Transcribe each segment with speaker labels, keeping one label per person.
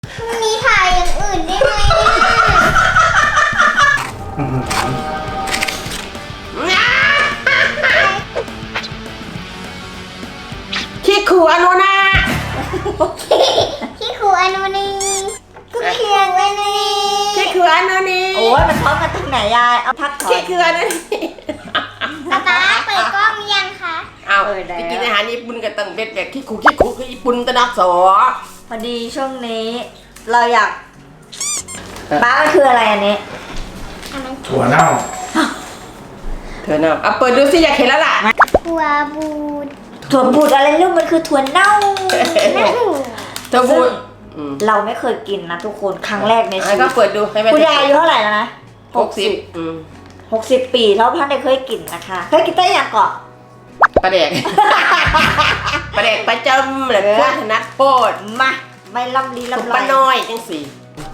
Speaker 1: มีถ่ายอย่างอื่นได้ไหม
Speaker 2: ขี้ขู่อนุนา
Speaker 1: ที่ครูอนุนีก็เพียงอนุนี
Speaker 2: ขี้ขู่อนุนี
Speaker 3: โอ้ยมันพร้อมกันตรงไหนยายเอาพักถอ
Speaker 2: ขี้
Speaker 3: ย
Speaker 2: ขู่อนุนี
Speaker 1: ป๊าป๊าเปิดกล้องยังคะ
Speaker 2: เอา
Speaker 3: เออแล้ว
Speaker 2: ไปกินอาหารญี่ปุ่นกันตั้งเป็นแบบขี้ขู่คือญี่ปุ่นตะนักสอ
Speaker 3: พอดีช่วงนี้ เราอยากบ้ามันคืออะไรอันนี้
Speaker 4: ถั่วเน่า
Speaker 2: เธอเนาะเอาเปิดดูสิอยากเห็นแล้วล่ะ
Speaker 1: หัวบูด
Speaker 3: ถั่วบูดอะไรลูกมันคือถั่วเน่า
Speaker 2: เธอพูดอืม
Speaker 3: เราไม่เคยกินนะทุกคนครั้งแรกในชี
Speaker 2: ให้
Speaker 3: วิ
Speaker 2: เขา
Speaker 3: ต
Speaker 2: เปิดดูให้แม่
Speaker 3: คุณยายอายุเท่าไหร่แล้วนะ
Speaker 2: 60อืม
Speaker 3: 60 ปีแล้วพันได้เคยกินนะคะเคยกินได้อย่างเกาะ
Speaker 2: ปลาแดก ปลาแดกประจำเลยพวกธนัดโพด
Speaker 3: มาไม่ล่ำลี
Speaker 2: สุก
Speaker 3: ล่ำ
Speaker 2: ป
Speaker 3: ไร
Speaker 2: ลาน้อยจังสิ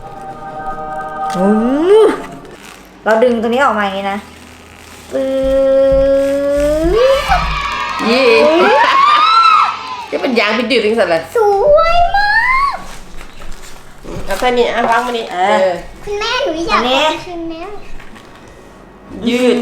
Speaker 3: เราดึงตรงนี้ออกมาอย่างนี้นะปื๊ด
Speaker 2: ยี่จะเป็นยางเป็นดืดจังสันเลย
Speaker 1: สวยมาก
Speaker 2: เอาแค่นี้วางมานี่อ
Speaker 1: คุณแม่หนูอยากเอาคืนแล้ว
Speaker 2: ยืด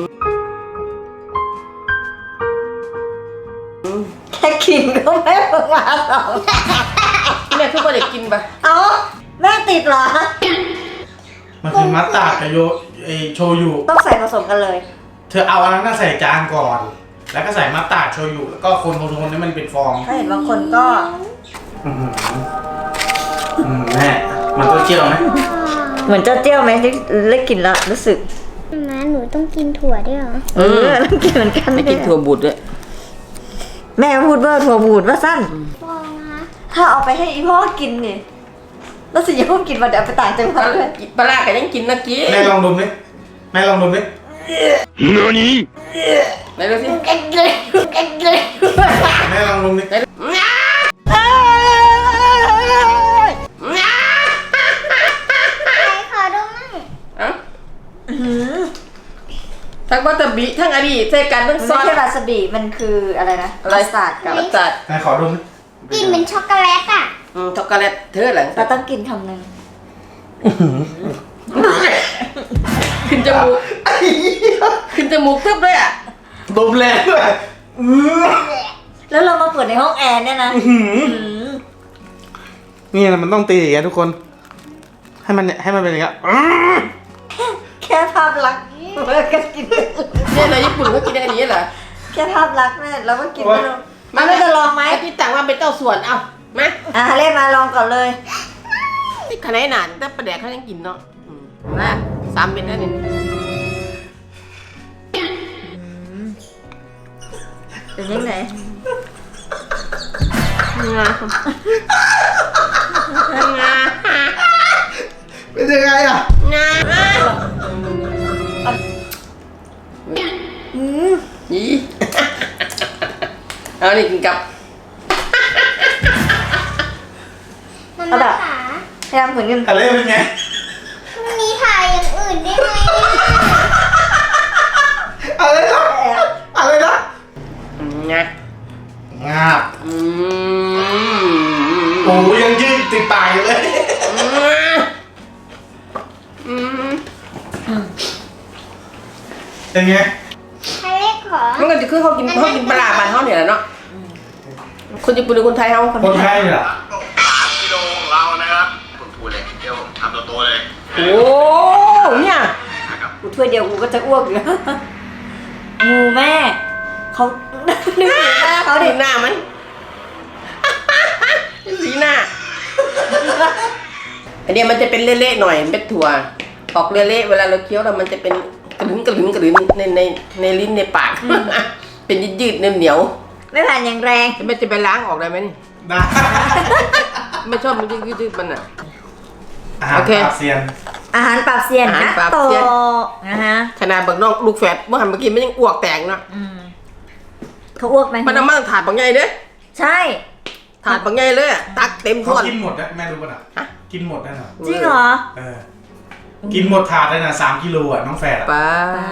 Speaker 3: แค่กินก็ไม่เพิ่งมาสอง
Speaker 2: แม่ทุกคนได้กินปะ
Speaker 3: เอาแม่ติดเหรอ
Speaker 4: มันคือมัตตาร์ดกับโชยุ
Speaker 3: ต้องใส่ผสมกันเลย
Speaker 4: เธอเอาอันนั้นน่ะใส่จานก่อน แล้วก็ใส่มัตตาร์ดโชยุแล้วก็คนให้มันเป็นฟอง
Speaker 3: ถ้าเห็นบางคนก็
Speaker 4: อื้อหือแม่มันต้องเจียวไหม
Speaker 3: เหมือนเจ้าเจี้ยวไหมที่ได้กลินแล้วรู้สึก
Speaker 1: ม้าหนูต้องกินถั่วด้วยเหรอ
Speaker 3: ต้องกินเหมือนกัน
Speaker 2: ไม่กินถั่วบุตรด้วย
Speaker 3: แม่พูดว่าถั่วบูดว่าสั้น
Speaker 1: ฟองนะคะ
Speaker 3: ถ้าเอาไปให้อีพ่อกินนี่แล้วสิอย่าเพิ่งกินมาเดี๋ยวเอาไปต่างจังหวัดเลย
Speaker 2: ปลาก็ยังกินนะกี้
Speaker 4: แม่ลองดมดิแม่ลองดมดิ
Speaker 2: ไหนดูสิ
Speaker 4: แม่ลองดมดิ
Speaker 1: ใครขอดูมั่ง
Speaker 2: เอ้าทั้งวัตถุบิทั้งอดีตใช้กันทั้ง
Speaker 3: มัน
Speaker 2: ซอ
Speaker 3: ไม่
Speaker 2: ส
Speaker 3: ใช่วาซาบิมันคืออะไรนะ
Speaker 2: อะไร
Speaker 3: มัสตาร์ดกับ
Speaker 2: มัสตาร์ด
Speaker 4: แม่ขอดมดิ
Speaker 1: กลิ่นเหมือนช็อกโกแลตอ่ะ
Speaker 2: ช็อกโกแลตเธอหลัง
Speaker 3: เราต้องกินคำหนึ่ง
Speaker 2: ขึ้นจมูกขึ้นจมูกทึบเลยอ่ะ
Speaker 4: ดมแรงด้วย
Speaker 3: แล้วเรามาเปิดในห้องแอร์เนี่ยนะ
Speaker 4: นี่นะมันต้องตีอย่างเงี้ยทุกคน ให้มันเป็นอย่างเงี้ย
Speaker 3: แค่ภาพลักษณ์เราก็กิน
Speaker 2: เนี่ยในญี่ปุ่นเขากินอย่างนี้เหรอ
Speaker 3: แค่ภาพลักษณ์เนี่ยเราก็กินไม่รู้มันจะลองไหม
Speaker 2: ที่ต่างว่าเป็นเต้าส่วนเอ้ามา
Speaker 3: เล่นมาลองก่อนเลย
Speaker 2: ที่ขนาดหนานแต่ประแดกเขายังกินเนาะนะ3 เม็ดนั่นเอง
Speaker 3: เป็นยังไง
Speaker 2: งา
Speaker 4: เป็นยังไงอ่ะ
Speaker 2: งายี่เอานี่กินกับ
Speaker 1: มัน
Speaker 3: เอาแบบ
Speaker 1: ขา
Speaker 3: พยายามฝืนกัน
Speaker 4: อะไรเป็นไง
Speaker 1: มีถ่ายอย่างอื่นได้ไหม
Speaker 4: อะไรนะอะไรนะ
Speaker 2: งาง
Speaker 4: าบโอ้ยังยืดติดปากอยู่เลย เป็นไง
Speaker 1: ใครเล็กขอ
Speaker 2: มันก็จะคือเขากินปลาบ้านเขาเนี่ยแหละเนาะคนญี่ปุ่นหรือคนไทยเขา
Speaker 4: คนไทยเหรอ
Speaker 5: 3 กิโลของเรานะครับคุณพูดเลยเดี๋ยวผมทำโตๆเลย
Speaker 2: โอ้เนี่ย
Speaker 5: นะครับ
Speaker 3: กูถ้วยเดียวกูก็จะอ้วกอยู่งูแม่เขานึกถึงหน้าเขา
Speaker 2: เขา
Speaker 3: ดิ
Speaker 2: เห็นหน้ามันสีหน้าอันเนี้ยมันจะเป็นเละๆหน่อยเป็นถั่วออกเละๆเวลาเราเคี้ยวแล้วมันจะเป็นกระลึงในลิ้นในปาก เป็นยืดๆเหนียว
Speaker 3: ไม่ผ่านอย่างแรง
Speaker 2: ๆมันจะไปล้างออกได้ไหมนี่
Speaker 4: ได้
Speaker 2: ไม่ชอบมันยืดๆมันอ่ะ
Speaker 4: อาหาร
Speaker 2: โอเค
Speaker 4: ปราบเซียน
Speaker 3: อาหารปรับเซียน
Speaker 2: อาหาร
Speaker 3: นะ
Speaker 2: ปรับ
Speaker 3: โต
Speaker 2: เซียน
Speaker 3: นะฮะ
Speaker 2: ขนาดบักน้องลูกแฝดเมื่อหันเมื่อกี้มันยังอ้วกแตกเนาะ
Speaker 3: เขาอ้วกไหม
Speaker 2: มันเอามาถาดบางไงเด้อ
Speaker 3: ใช่
Speaker 2: ถาดบางไงเลยอะตักเต็ม
Speaker 4: เขา
Speaker 2: ถ้วน
Speaker 4: กินหมดนะแม่รู้ป่ะน่ะ
Speaker 2: ฮะ
Speaker 4: กินหมดนั่นน่ะ
Speaker 3: จริงเหรอ
Speaker 4: เออ กินหมดถาดเลยนะ3 กิโลอ่ะน้องแฝดอ่ะ
Speaker 2: ป้า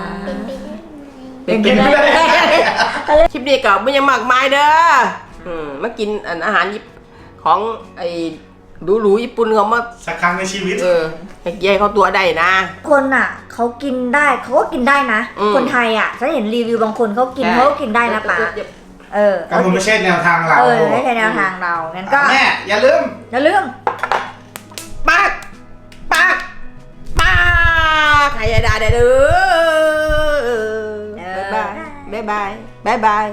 Speaker 4: กินไม่ได้
Speaker 2: คลิปนี้ก็ไม่ยังมากมายเด้อมากินอาหารของไอ้หรูญี่ปุ่นเขามา
Speaker 4: สักครั้งในชีวิต
Speaker 2: ให้เกียร์เขาตัวได้นะ
Speaker 3: คนอ่ะเขากินได้เขาก็กินได้นะ
Speaker 2: อืม
Speaker 3: คนไทยอ่ะฉันเห็นรีวิวบางคนเขากินเขาก็กินได้นะป๋า
Speaker 4: ก็มันไม่ใช่แนวทางเรา
Speaker 3: ไม่ใช่แนวทางเรางั้นก็
Speaker 4: แม่อย่าลืม
Speaker 3: อย่าลืม
Speaker 2: ปากใครจะได้เด้อบ๊ายบาย